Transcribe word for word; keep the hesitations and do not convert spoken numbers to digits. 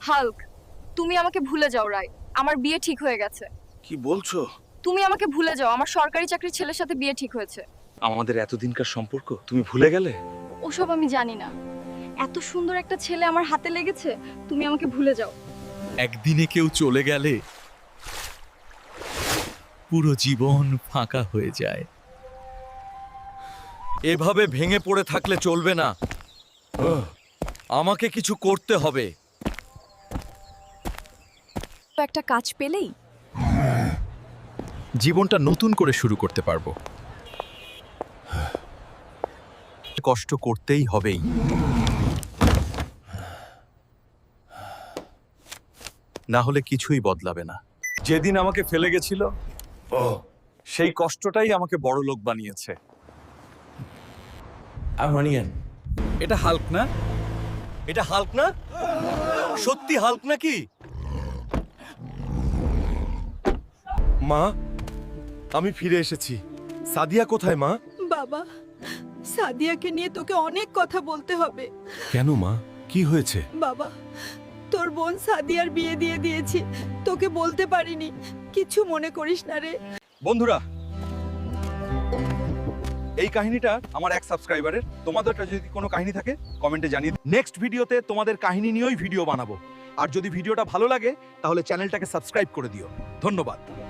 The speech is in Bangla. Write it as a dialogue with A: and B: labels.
A: হাল্ক, তুমি আমাকে ভুলে যাও রায়। আমার বিয়ে ঠিক হয়ে গেছে।
B: কি বলছো?
A: তুমি আমাকে ভুলে যাও, আমার সরকারি চাকরির ছেলের সাথে বিয়ে ঠিক হয়েছে।
B: আমাদের এতদিনকার সম্পর্ক তুমি ভুলে গেলে?
A: ওসব আমি জানি না। এত সুন্দর একটা ছেলে আমার হাতে লেগেছে, তুমি আমাকে ভুলে যাও।
C: একদিনে কেউ চলে গেলে পুরো জীবন ফাঁকা হয়ে যায়। এভাবে ভেঙে পড়ে থাকলে চলবে না, আমাকে কিছু করতে হবে।
A: একটা কাজ পেলেই
C: জীবনটা নতুন করে শুরু করতে পারবো। কষ্ট করতেই হবেই। না হলে কিছুই বদলাবে না। যেদিন আমাকে ফেলে গেছিল, সেই কষ্টটাই আমাকে বড় লোক বানিয়েছে। এটা হাল্ক না? এটা হাল্ক না? সত্যি হাল্ক নাকি?
D: মা, আমি ফিরে এসেছি। সাদিয়া কোথায় মা?
E: বাবা, সাদিয়াকে নিয়ে তোকে অনেক কথা বলতে হবে।
D: কেন মা, কি হয়েছে?
E: বাবা, তোর বোন সাদিয়ার বিয়ে দিয়ে দিয়েছি, তোকে বলতে পারিনি, কিছু মনে করিস না রে।
C: বন্ধুরা, এই কাহিনীটা আমার এক সাবস্ক্রাইবারের। তোমাদের কাছে যদি কোনো কাহিনী থাকে কমেন্টে জানিয়ে। নেক্সট ভিডিওতে তোমাদের কাহিনী নিয়েই ভিডিও বানাবো। আর যদি ভিডিওটা ভালো লাগে তাহলে চ্যানেলটাকে সাবস্ক্রাইব করে দিও। ধন্যবাদ।